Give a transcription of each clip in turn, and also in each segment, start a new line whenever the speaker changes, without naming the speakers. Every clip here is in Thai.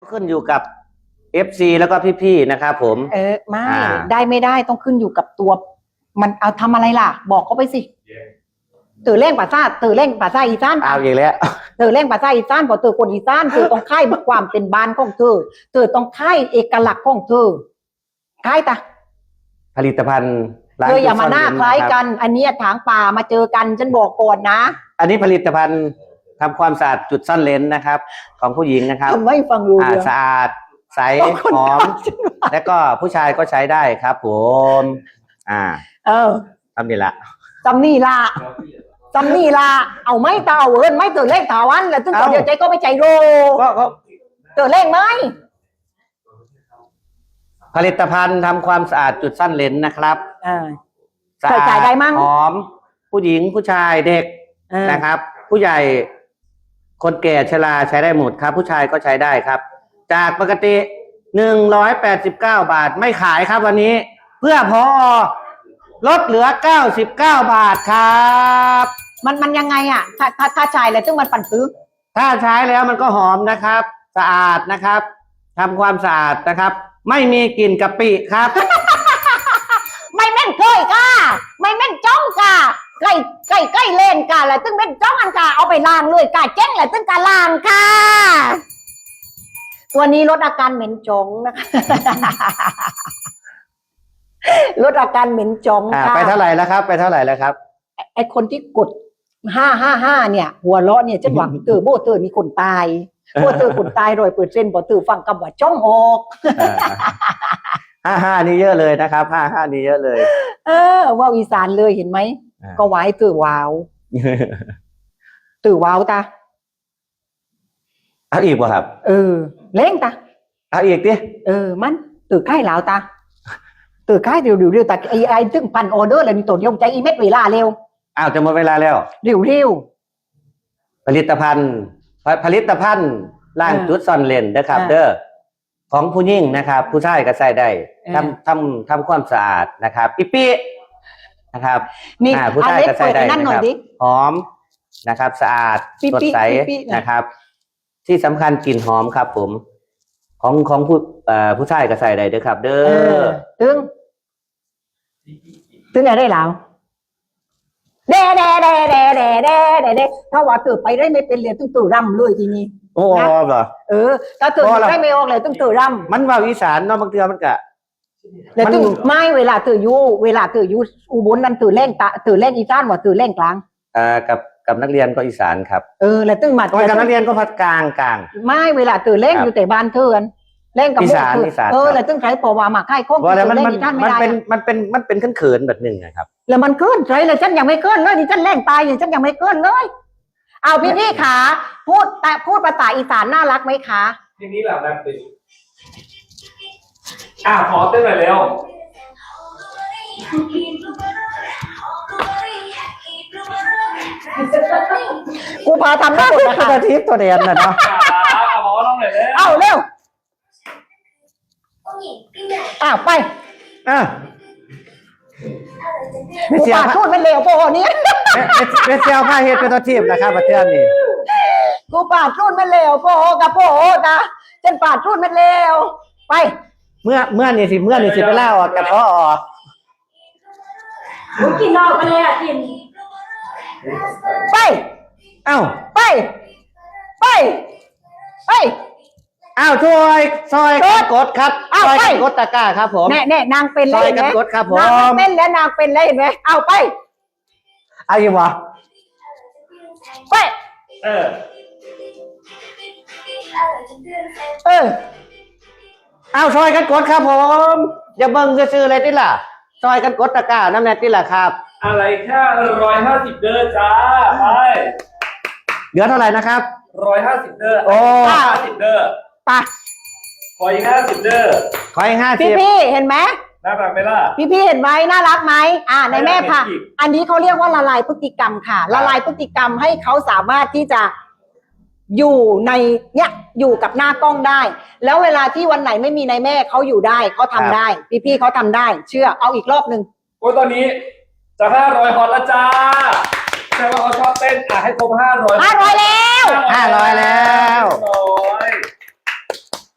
ขึ้นอยู่กับ FC แล้วก็พี่ๆนะครับผม
ไม่ได้ไม่ได้ต้องขึ้นอยู่กับตัวมันเอาทำอะไรล่ะบอกเขาไปสิตื่นเร่งภาษาอีสาน
เอาอีกแล้ว
ตื่นเร่งภาษาอีสานพอตื่นคนอีสานตื่นต้องค่ายความเป็นบ้านของเธอตื่นต้องค่ายเอกลักษณ์ของเธอค่ายตา
ผลิตภัณฑ์
เธออย่ามาหน้าคล้ายกันอันนี้ถางป่ามาเจอกันฉันบอกก่อนนะ
อันนี้ผลิตภัณฑ์ทำความสะอาดจุดซ่อนเลนนะครับของผู้หญิงนะครับ
ไม่ฟังรู้เรื่อง
สะอาดใสหอมและก็ผู้ชายก็ใช้ได้ครับผมทำนี่ละเอาไม่เต่าไม่ตื่นเล่งถาวันแล้วตึ้งเดียวใจก็ไม่ใจโรตื่นเล่งไหมผลิตภัณฑ์ทำความสะอาดจุดซ่อนเลนนะครับสะอาดหอมผู้หญิงผู้ชายเด็กนะครับผู้ใหญ่คนแก่ชราใช้ได้หมดครับผู้ชายก็ใช้ได้ครับจากปกติ189 บาทไม่ขายครับวันนี้เพื่อพอลดเหลือ99 บาทครับ
มันยังไงอ่ะถ้าใช้แล้วซึ่งมันปั่นซื้อ
ถ้าใช้แล้วมันก็หอมนะครับสะอาดนะครับทำความสะอาดนะครับไม่มีกลิ่นกะปิครับ
ไม่แม่นเคยค่ะไม่แม่นจ้องค่ะใกล้เล่นค่ะแล้วซึ่งแม่นจ้องอันค่ะเอาไปล้างเลยค่ะเจ๊งแล้วซึ่งการล้างค่ะตัวนี้ลดอาการเหม็นจงนะคะลดอาการเหม็นจงค่ะ
ไปเท่าไหร่แล้วครับไปเท่าไหร่แล้วครับ
ไอคนที่กด555เนี่ยหัวเราะเนี่ยจะหวังเตอโบเตอมีคนตายโบเตอคนตาย100%บ่เตอฟังคำว่าจ้องออก
55นี่เยอะเลยนะครับ55นี่เยอะเลย
ว่าอีสานเลยเห็นไหมก็ไว้เตอว้าวตา
เอาอีกป่ะครับ
เล่งตา
เอาอีกดิ
มันตื่นใกล้แล้วตาตื่นใกล้เร็วแต่ไอ้ตึ้งพันออเดอร์อะไรนี่ตัวเดียวใจอีเม็ดเวลาเร็ว
จะหมดเวลาแล้ว
เร็ว
ผลิตภัณฑ์ล้างจุดซ่อนเลนนะครับของผู้หญิงนะครับผู้ชายก็ใช้ได้ทำความสะอาดนะครับปีนะครับ
นี่
ผู้ชายก็ใช้ได้นะครับหอมนะครับสะอาดสดใสนะครับที่สำคัญกลิ่นหอมครับผมของผู้ชายก็ใส่ได้ด้วยครับ
ตึงอะไรได้แล้วเด้ถ้าว่าตื่นไปได้ไม่เป็นเลยต้องตื่นรำเลยทีนี้
โอ้เหรอ
ถ้าตื่นได้ไม่ออกเลยต้องตื่นรำ
มันว่าอีสานเนาะบางทีมันก็
แล้วตื่นไม่เวลาตื่นยูอุบลนั่นตื่นเล่งอีสานว่าตื่นเล่งกลาง
กับนักเรียนก็อีสานครับ
แล้วตึ้งมา
กับนักเรียนก็พัดกลาง
ไม่เวลาตื่นเล่งอยู่แต่บ้านเถื่อนเล่งกับ
อีสาน
แล้วตึ้งใช้ปอวามาค่ายข้อง
มันเป็นเขินแบบหนึ่งนะครับ
แล้วมันเกินใช่เลยฉันยังไม่เกินเลยนี่ฉันเล่งตายอย่างฉันยังไม่เกินเลยเอาพี่ขาพูดภาษาอีสานน่ารักไหมคะ
ทีนี้แหละแบบติขอเต้นหน่อยเร็ว
กูพาทำได้หมดนะคะ
ทิพย์ตัวเดียนนะเนาะ
หมอลองหน่อยเร็ว
เร็วไปกูปาดพูดเป็นเลวโปนี้
เป็นเซลผ้าเฮ็ดเป็นตัวทิพย์นะครับประเทศนี้
กูปาดพูดเป็นเลวโปกับโปนะฉันปาดพูดเป็นเลวไป
เมื่อนี่สิไปเล่าออกกับพ่อ
มึงกินเหล้าไปเลยกินไป
ช่วยซอยกันกดครับซอยกันกดตะกร้าครับผม
แน่นางเป็นเลย
ซอยกันกดครับผม
นางเป็นแล้วนางเป็นเลยเห็นไหมไป
อยู่วะ
ไป
ซอยกันกดครับผมอย่าเบิ่งซื่อๆอะไรติล่ะซอยกันกดตะกร้าน้ำแน่ติล่ะครับ
อะไรแค่150เด้อจ้าไป
เหลือเท่าไหร่นะครับ
150เด้อ50เด้อ
ไป
ขออีก50เด้อ
ขออีก50
พี่เห็นไหม
น่ารักไหมล่ะ
พี่เห็นไหมน่ารักไหมในแม่ค่ะอันนี้เขาเรียกว่าละลายพฤติกรรมค่ะละลายพฤติกรรมให้เขาสามารถที่จะอยู่ในอยู่กับหน้ากล้องได้แล้วเวลาที่วันไหนไม่มีนายแม่เขาอยู่ได้เขาทำได้พี่เขาทำได้เชื่อเอาอีกรอบนึง
ตอนนี้จะ500ฮอตแล้วจ้าแต่ว่าเขาชอบเต้นให้ครบ500
แล้ว
500แล้ว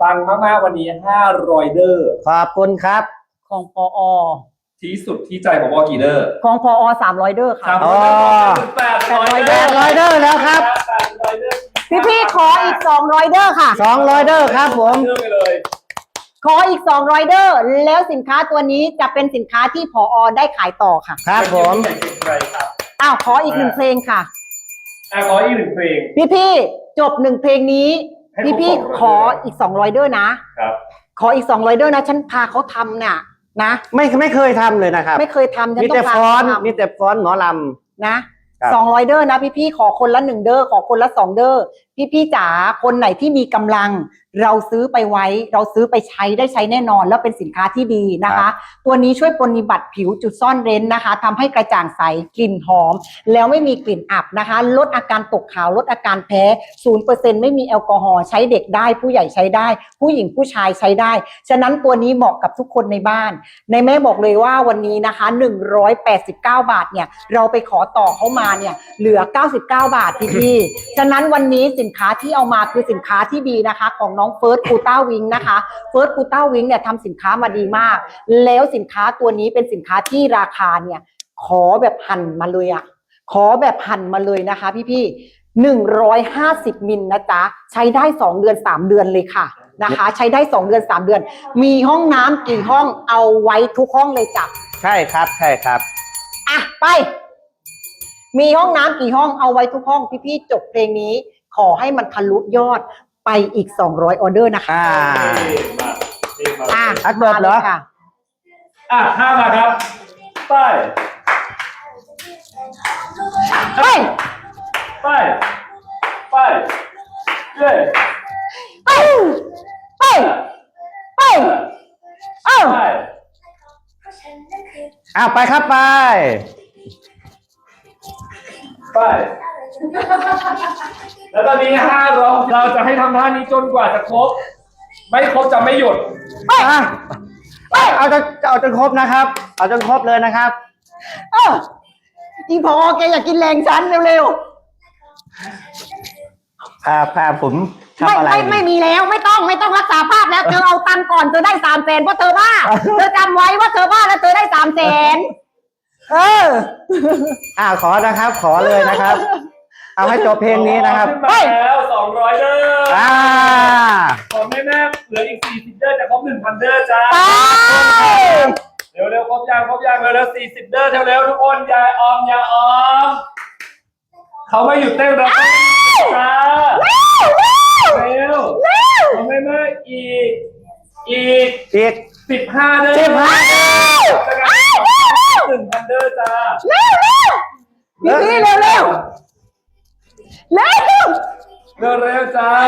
ปังมากๆวันนี้500เดอร์
ขอบคุณครับ
ของพอ
ที่สุดที่ใจของวอกี่เดอร์
ของพอ300เดอร์ค่ะ
800
800 เดอร์แล้วครับ
800เดอร์
พี่ขออีก200เดอร์ค่ะ
200 เดอร์ครับผม
เดอร์ไปเลย
ขออีก200เดอร์แล้วสินค้าตัวนี้จะเป็นสินค้าที่พอได้ขายต่อค่ะ
ครับผม
ใครครับ
อ้าวขออีก1เพลงค่ะ
ขออีก1เพลง
พี่จบ1เพลงนี้
ให้ครบ
พี่
200
ขออีก200เดอร์นะ
ครับ
ขออีก200เดอร์นะฉันพาเขาทำเนี่ยนะ
ไม่เคยทำเลยนะครับ
ไม่เคยทำฉัน
มี
ต้อ
แต่
งพา
ฟ้อน
เขาทำ
มีแต่ฟ้อนหมอล
นะครับ200เดอร์นะพี่ขอคนละ1เดอร์ขอคนละ2เดอร์พี่จ๋าคนไหนที่มีกำลัง เราซื้อไปไว้เราซื้อไปใช้ได้ใช้แน่นอน แล้วเป็นสินค้าที่ดีนะคะ ตัวนี้ช่วยปฏิบัติผิวจุดซ่อนเร้นนะคะทำให้กระจ่างใสกลิ่นหอม แล้วไม่มีกลิ่นอับนะคะ ลดอาการตกขาวลดอาการแพ้ 0% ไม่มีแอลกอฮอล์ใช้เด็กได้ผู้ใหญ่ใช้ได้ ผู้หญิงผู้ชายใช้ได้ฉะนั้นตัวนี้เหมาะกับทุกคนในบ้านในแม่บอกเลยว่าวันนี้นะคะ189 บาทเนี่ยเราไปขอต่อเขามาเนี่ยเหลือ99 บาทพี่ฉะนั้นวันนี้สินค้าที่เอามาคือสินค้าที่ดีนะคะของน้องเฟิร์สกูต้าวิงนะคะเฟิร์สกูต้าวิงเนี่ยทำสินค้ามาดีมากแล้วสินค้าตัวนี้เป็นสินค้าที่ราคาเนี่ยขอแบบหั่นมาเลยอะขอแบบหั่นมาเลยนะคะพี่150มิลนะจ๊ะใช้ได้2เดือน3เดือนเลยค่ะนะคะใช้ได้2เดือน3เดือนมีห้องน้ำกี่ห้องเอาไว้ทุกห้องเลยจ้ะ
ำใช่ครับใช่ครับ
อ่ะไป มีห้องน้ำกี่ห้องเอาไว้ทุกห้องพี่จบเพลงนี้ ขอให้มันทะลุยอดไปอีก200ออเดอร์นะคะ
อัดเบิร์ดเหรอ
มาลยค่ะ
ห้ามาครับไป
ไป
ไปไปเย้
ไปไปไปเอ้า
ไป
ไปครับไป
ไปแล้วตอนนี้เราจะให้ทำท่านี้จนกว่าจะครบไม่ครบจะไม่หยุด
เอาจนครบนะครับ เอาจนครบเลยนะครับ
เอออีพอแกอยากกินแรงฉันเร็ว
พาผม
ๆ
ทำอะไร
ไม่มีแล้วไม่ต้องรักษาภาพแล้วเธอเอาตังค์ก่อนเธอได้300,000เพราะเธอบ้าเธอจำไว้ว่าเธอบ้าแล้วเธอได้300,000
ขอนะครับ ขอเลยนะครับ เอาให้จบเพลงนี้นะครับ
ขึ้นมาแล้ว200เดอร์ ขอแม่เหลืออีก40เดอร์จะครบ1,000เดอร์จ้า
ไป
เร็วครบยังเร็ว40เดอร์เร็วทุกคนอย่าออมเขาไม่หยุดเต้นแล้วจ้าเร็วขอแม่อีก15เดอร์1,000เดอร์จ้า
พี่เร็วเร็ว
จ้า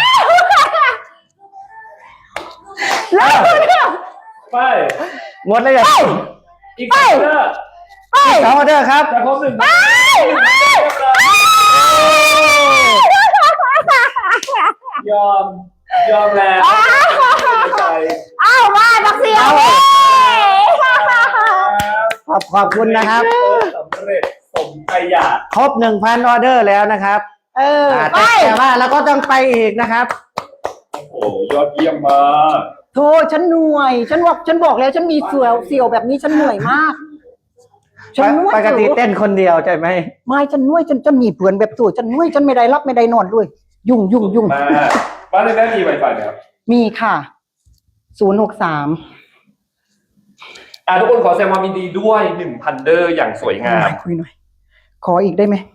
ไป
หมดเลยอ่ะ
อีก2เดอร์
2 ออเดอร์ครับ
จะครบ1,000ยอมแล้ว
อ้าวมาบักเสียว
ขอบคุณนะครับ
สำเร็จสมใจอยาก
ครบ 1,000 ออเดอร์แล้วนะครับ
ไป
แต่ว่าเราก็ต้องไปอีกนะครับ
โอ้ยอดเยี่ยมมาก
โธ่ฉันเหนื่อยฉันบอกแล้วฉันมีเสี่ยวแบบนี้ฉันเหนื่อยมากฉันนวด
ปกติเต้นคนเดียวใช่ไหม
ไม่ฉันนวดฉันมีเพื่อนแบบตัวฉันนวดฉันไม่ได้รับไม่ได้นอนด้วยยุ่ง
มาบ้านในแม่มีไวไฟไหมครับ
มีค่ะ063
ทุกคนขอแสดงความยินดีด้วย 1,000 เดอร์อย่างสวยงาม
คุยหน่อยขออีกได้ไหม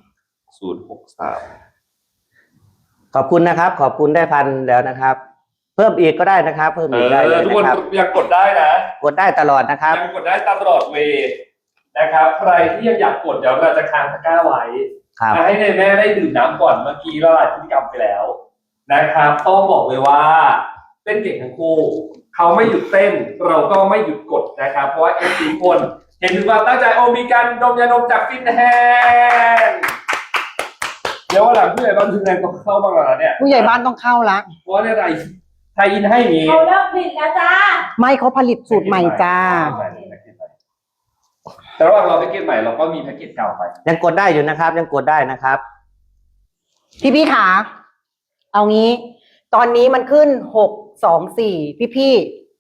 063
ขอบคุณนะครับ ขอบคุณได้พันแล้วนะครับ เพิ่มอีกก็ได้นะครับ เพิ่มอีกได้เลย
ทุก
นะ
คน
ครับ
ยังกดได้นะ
กดได้ตลอดนะครับ
ยังกดได้ตลอดเวย์นะครับ ใครที่ยังอยากกดเดี๋ยวเราจะค้างตะกร้าไว้
ครับ
ให้ในแม่ได้ดื่มน้ำก่อนเมื่อกี้ละลายพฤติกรรมไปแล้วนะครับต้องบอกเลยว่าเต้นเก่งทั้งคู่เขาไม่หยุดเต้นเราก็ไม่หยุดกดนะครับเพราะว่าFCคนเห็นถึงความตั้งใจมีการดมยาดมจากฟินแฮนด์เดี๋ยววันหลังผู้ใหญ่บ้านฟินแฮนด์ต้องเข้ามาแล้วเนี่ย
ผู้ใหญ่บ้านต้องเข้าละ
เพราะว่าในไทยอินให้มี
เขาเลิกผลิตแล้วจ้า
ไม่เขาผลิตสูตรใหม่จ้า
แต่ระหว่างเราแพ็กเกจใหม่เราก็มีแพ็กเกจเก่าไป
ยังกดได้อยู่นะครับ ยังกดได้นะครับ
พี่ขาเอางี้ ตอนนี้มันขึ้น 624พี่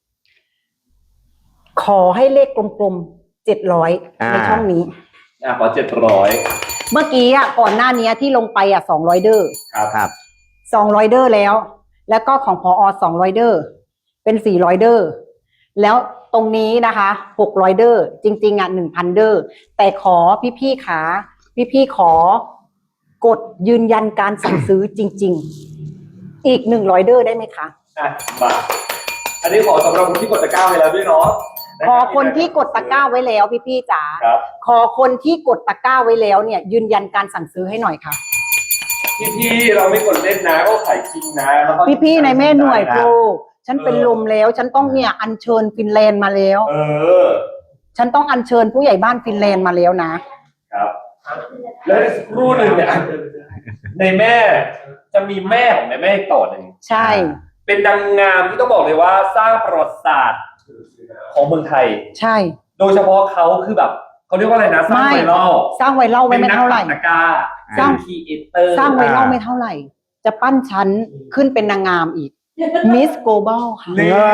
ขอให้เลขกลมๆ700ในช่องนี้
ขอ700
เมื่อกี้ก่อนหน้านี้ที่ลงไป200เดอร์
ครับ
200เดอร์แล้วก็ของพอ200เดอร์เป็น400เดอร์แล้วตรงนี้นะคะ600เดอร์จริงๆ1,000เดอร์แต่ขอพี่ขาพี่ขอกดยืนยันการสั่งซื้อจริงๆอีก100เดอร์ได้ไหมคะ
มาอันนี้ขอสำหรับคนที่กดตะกร้าไปแล้วด้วยเนาะ
ขอคนที่กดตะกร้าไว้แล้วพี่จ๋าขอคนที่กดตะกร้าไว้แล้วเนี่ยยืนยันการสั่งซื้อให้หน่อยค่ะ
พี่เราไม่กดเล่นนะก็ขายจริงนะ
พี่ในแม่หน่วยโกฉันเป็นลมแล้วฉันต้องเนี่ยอัญเชิญฟินแลนด์มาแล้วฉันต้องอัญเชิญผู้ใหญ่บ้านฟินแลนด์มาแล้วนะครับ
แล้วสักครู่หนึ่งเนี่ยในแม่จะมีแม่ของในแม่ต่อหนึ่ง
ใช่
เป็นนางงามที่ต้องบอกเลยว่าสร้างประวัติศาสตร์ของเมืองไทย
ใช่
โดยเฉพาะเขาคือแบบเขาเรียกว่าอะไรนะสร้างไวรัล
ไว้ไม่เท่าไหร่
สร้างครีเอเตอร์
สร้างไวรัลไม่เท่าไหร่จะปั้นชั้นขึ้นเป็นนางงามอีกมิสโกลบอลค่ะ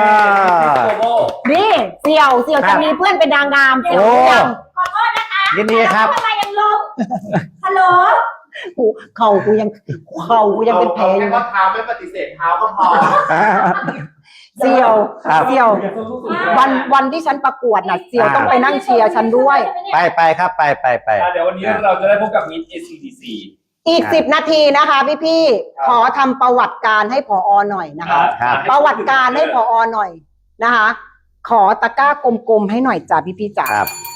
นี่เสี่ยวจะมีเพื่อนเป็นนางงามเสี่ยวยัง
ขอโทษนะคะ
ยินดีครับ
อะไรยังลงฮัลโหล
เข่ากูยังเป็นแผลอยู่
เท้าไม่ปฏิเสธเท้าก็พอ
เสี่ยววันที่ฉันประกวดน่ะเสี่ยวต้องไปนั่งเชียร์ฉันด้วย
ไปครับไป
เดี๋ยววันนี้เราจะได้พบกับมิส ACDC
อีก10นาทีนะคะพี่ขอทำประวัติการให้ผอ.หน่อยนะคะประวัติการให้ผอ.หน่อยนะคะขอตะกร้ากลมๆให้หน่อยจ้ะพี่จ๋า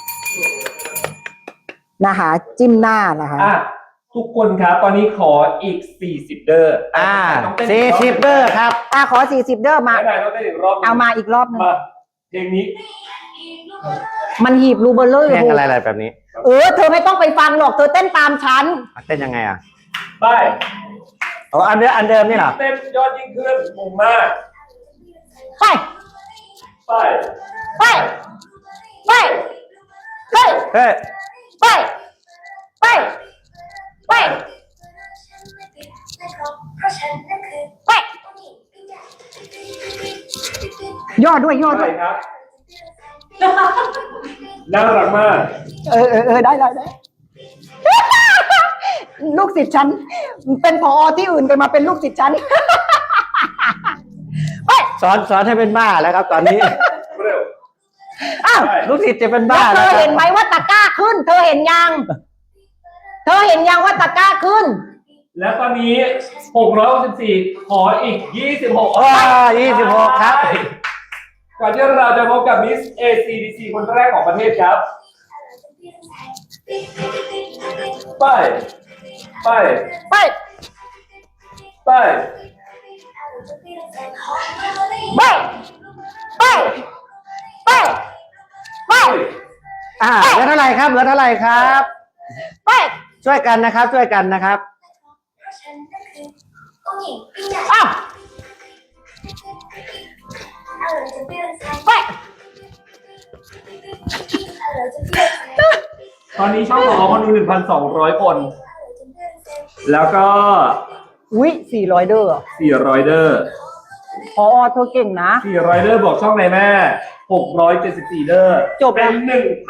นะคะจิ้มหน้านะคะ
ทุกคนครับตอนนี้ขออีก40เดอร์
40เดอร์ครับ
ขอ40เดอร์มาเอามาอีกรอบนึง
เพลงนี้
มันหีบรูเบอร์เลย
เพลงอะไรแบบนี้
เธอไม่ต้องไปฟังหรอกเธอเต้นตามฉัน
เต้นยังไง
ไป
อันเดิมนี่เหรอ
เต้นยอดยิ่งขึ้นมุมมาก
ไป
ไป
ไปไปไปไปไปไปย่อด้วย
ครับน่ารักมาก
ได้ลูกศิษย์ฉันเป็นผอ.ที่อื่นไปมาเป็นลูกศิษย์ฉัน
สอนให้เป็นบ้าแล้วครับตอนนี้ลูกศิษย์จะเป็นบ้า
แล้วเธอเห็นไหมว่าตะกร้าขึ้นเธอเห็นยังว่าตะกร้าขึ้น
แล้วตอนนี้664ขออีก
26ครับ
ก่อนที่เราจะพบกับมิส ACDC คนแรกของประเทศครับไป
เหลือเท่าไหร่ครับ
ไป
ช่วยกันนะครับไป
ตอนนี้ช่องของคนดู 1,200 คนแล้วก็
400เดอร์พอ.เธอเก่งนะ
400เดอร์บอกช่องไหนแม่674เดอร์
จบ
เป็น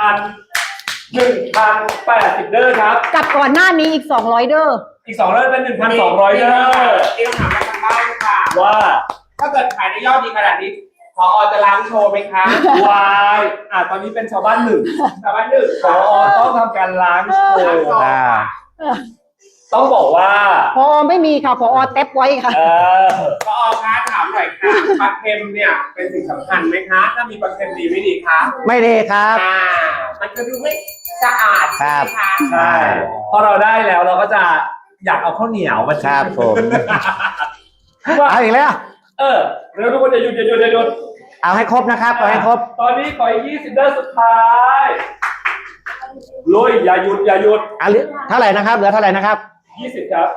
1,080เดอร์ครับ
กับก่อนหน้านี้อีก200เดอร์
อีก2เดอร์เป็น 1,200เดอร์
ที่คำถามทางบ้านค่ะ
ว่า
ถ้าเกิดขายได้ยอดดีขนาดนี้ผอ.จะล้างโชว์ไหมคะ
วายตอนนี้เป็นชาวบ้านหนึ่งผอ.ต้องทำการล้างโชว์ต้องบอกว่า
ผอ.ไม่มีค่ะผอ.เต็บไว้ค่ะ
ผอ.คะถามหน่อยค่ะปลาเค็มเนี่ยเป็นสิ่งสำคัญไหมคะถ้ามีปลาเค็มดีไม่ดีคะ
ไม่ดีครับ
มันจะดูไม่สะอาดใช่ไหมคะ
ใช่พอเราได้แล้วเราก็จะอยากเอาข้าวเหนียวมา
ชาบผมเอาอีกแล้ว
เร็วทุกคนอย่าหยุด
เอาให้ครบนะครับเอาให้ครบ
ตอนนี้ขออีก20เดอร์สุดท้ายลุยอย่าหยุด
เท่าไหร่นะครับเหลือเท่าไหร่นะครับ
20ครับ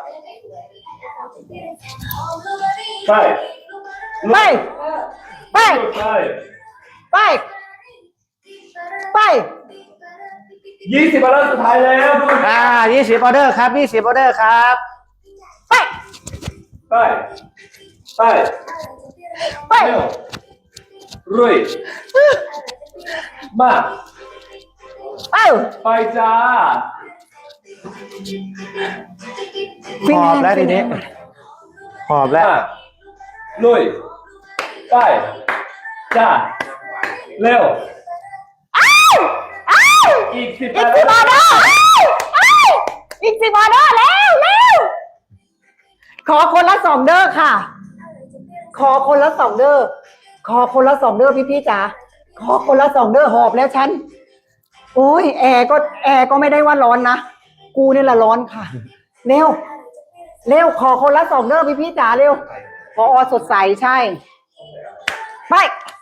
ไป20ออเดอร์สุดท้ายแล้ว
20ออเดอร์ครับ20ออเดอร์ครับ
ไป
ไป
เร็วรุ่ยมา
เอ้า
ไปจ้า
หอบแล้วทีนี้หอบแล้ว
มาลุยไปจ้าเร็ว
อ้าวอ้าว
อีก10
อีก10 ออเดอร์อ้าวอ้าวอีก10 ออเดอร์แล้วขอคนละ2 เด้อค่ะ ขอคนละ2 เด้อขอคนละ2 เด้อพี่จ๋าขอคนละ2 เด้อหอบแล้วฉันโอ้ยแอร์ก็ไม่ได้ว่าร้อนนะกูนี่แหละร้อนค่ะเร็วขอคนละ2 เด้อพี่จ๋าเร็วพอสดใสใช่ไป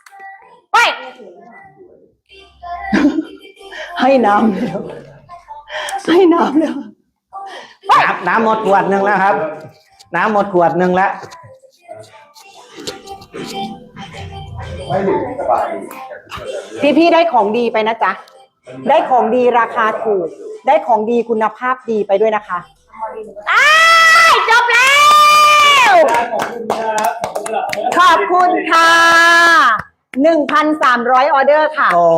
ให้น้ำเร็วให้น้ำเร็ว
น้ำหมดขวดหนึ่งแล้วครับ น้ำหมดขวดหนึ่งแล้ว
ไม่ถึงสบาย
พี่ได้ของดีไปนะจ๊ะได้ของดีราคาถูกได้ของดีคุณภาพดีไปด้วยนะคะอ้ายจบแล้ว
ขอบคุณครับขอบคุณครับ
ขอบคุณค่ะ 1,300 ออเดอร์ค่ะ
โอ้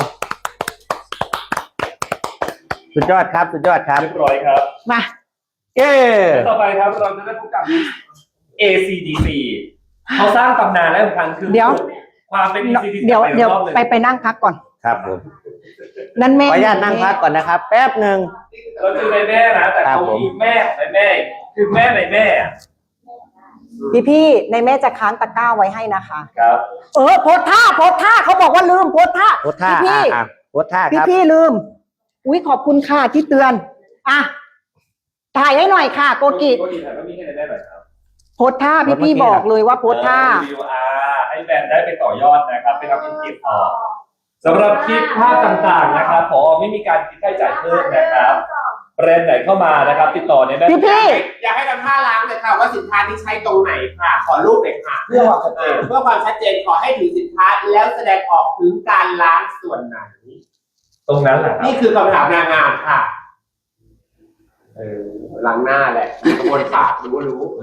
สุดยอดครับสุดยอดครับ
เรียบร้อยครับ
มา
เย้
ต่อไปครับเราจะได้พบกับ ACDC เขาสร้างตำนานและสำคัญคือ
เดี๋ยว
ความเป็น ACDC
เดี๋ยว
รอบหนึ่ง
ไปนั่งพักก่อน
ครับผม
นั่น
ข
แม่
ออนุญาตนั่งพักก่อนนะครับ แป๊บหนึ่ง
เราคือในแม่นะแต่
ครับ
เขา
ผม
มีแม่ในแม่คือแม่ในแม่อะ
พี่ในแม่จะค้างตะกร้าไว้ให้นะคะ
ครับ
โพสท่าเขาบอกว่าลืมโพสท่า
โพสท่า
พี่
โพสท่าครับ
พี่ลืมอุ้ยขอบคุณค่ะที่เตือนอ่ะถ่ายให้หน่อยค่ะ โกกิ
โกกิถ่ายก็มีให้ในแม่หน่อยครับ
โพสท่าพี่บอกเลยว่าโพสท่า
วิวให้แบรนด์ได้ไปต่อยอดนะครับไปทำเป็นคลิปต่อสำหรับคลิปภาพต่างๆนะครับพอไม่มีการคิดค่าใช้จ่ายเพิ่มนะครับแบรนด์ไหนเข้ามานะครับ ติดต่อเนี่ยได้
พี่
อยากให้ทำท่าล้างเลยค่ะว่าสินค้าที่ใช้ตรงไหนค่ะ ขอรูปหน่อยค่ะ
เพื่อความชัดเจน
เพื่อความชัดเจนขอให้ถือสินค้าแล้วแสดงออกถึงการล้างส่วนไหน
ตรงนั้นแหละครับ
นี่คือคำถามนางงามค่ะล้างหน้าแหละกระบวนปากรู้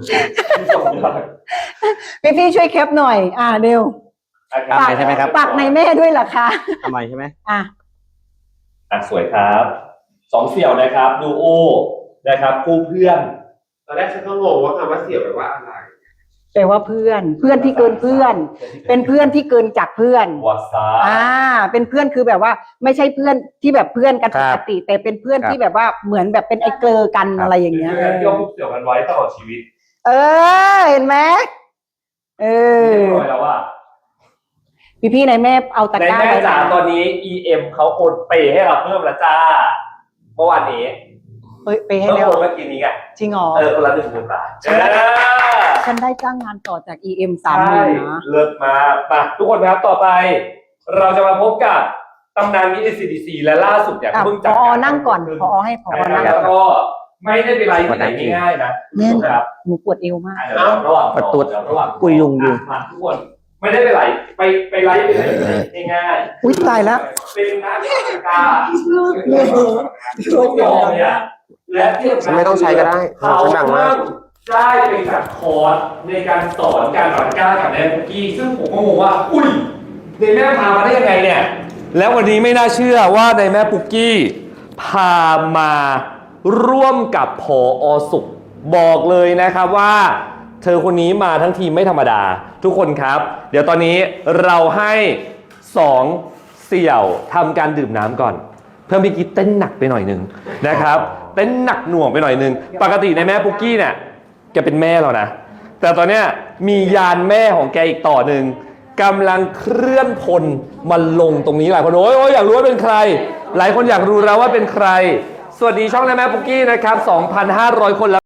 พี่ช่วยแคปหน่อยเร็ว
ทำไมใช่ไหมครับ
ปักในแม่ด้วยเหรอคะ
ทำไมใช่ไหม
สวยครับสองเสี่ยวนะครับดูโอนะครับคู่เพื่อน
ตอนแรกฉันก็งงว่าคำว่าเสี่ยวแปลว่าอะไร
แปลว่าเพื่อนที่เกินเพื่อน เป็นเพื่อนที่เกินจากเพื่อน
วาซา
เป็นเพื่อนคือแบบว่า ไม่ใช่เพื่อนที่แบบเพื่อนกัน
ค
ป
รับ
กติ แต่เป็นเพื่อน
ครับ
ที่แบบว่าเหมือนแบบเป็นไอ้เกลอกัน
ครับ
อะไรอย่างเงี้ย
เพื่อนที่เอาคู่เสี่ยวกันไว้ตลอดชีวิต
เห็นไหม
เรียบร้อยแล้วว่า
พี่ในแม่เอาตะ
ใน
กร้า
แม่
ไว้
จ๋าตอนนี้ EM เขาโอนเปย์ให้เราเพิ่มแล้วจ้าเมื่อวานนี้
ไปให้
เพิ่ม
แล้ว
โอนเมื่อกี้นี้ไง
จริงเหรอ
คนละ10,000 บาท
ฉันได้จ้างงานต่อจาก EM
ใช่
30,000นะ
เลิศมากมาทุกคนนะครับต่อไป เราจะมาพบกับตำนานมิส ACDC และล่าสุดเนี่ยเพิ่ง
พ
จัด
อนั่งก่อนพอให้พอนั่ง
แล้ว
ก่อน
ก็ไม่ได้ไปไลฟ์ที่ไหนง่ายๆนะ
แน่น
ครับ
หนูปวดเอวมาก
เดี๋ยวระหว่าง
ประตู
เดี๋ยวระหว่าง
กุยยุงอยู่
มาทุกคนไม่ได้ไปไลฟ์ไปไลฟ์ง่ายๆ
อุ๊ยตายแล้ว
เป็นนักกีฬาทุกยอมเนี่ยและที่สำคัญ
ไม่ต้องใช้ก็ได้
เขา
ดังมาก
ได้ไปจัดคอร์สในการสอนการหลักก้ากับแม่ปุกกี้ซึ่งผมก็งงว่า อุ้ยในแม่พามาได้ยังไงเนี่ย แล้ววันนี้ไม่น่าเชื่อว่าในแม่ปุกกี้พามาร่วมกับผอ.สุขบอกเลยนะครับว่า เธอคนนี้มาทั้งทีมไม่ธรรมดา ทุกคนครับ เดี๋ยวตอนนี้เราให้2เสี่ยวทำการดื่มน้ำก่อน เพิ่มพี่กิ๊กเต้นหนักไปหน่อยหนึงนะครับเต้นหนักหน่วงไปหน่อยหนึงปกติในแม่ปุกกี้เนี่ยแกเป็นแม่เรานะ แต่ตอนเนี้ยมียานแม่ของแกอีกต่อหนึ่งกำลังเคลื่อนพลมาลงตรงนี้หลายคนโอ้ยอยากรู้ว่าเป็นใคร หลายคนอยากรู้แล้วว่าเป็นใคร สวัสดีช่องในแม่ปุกกี้นะครับ 2,500 คนแล้ว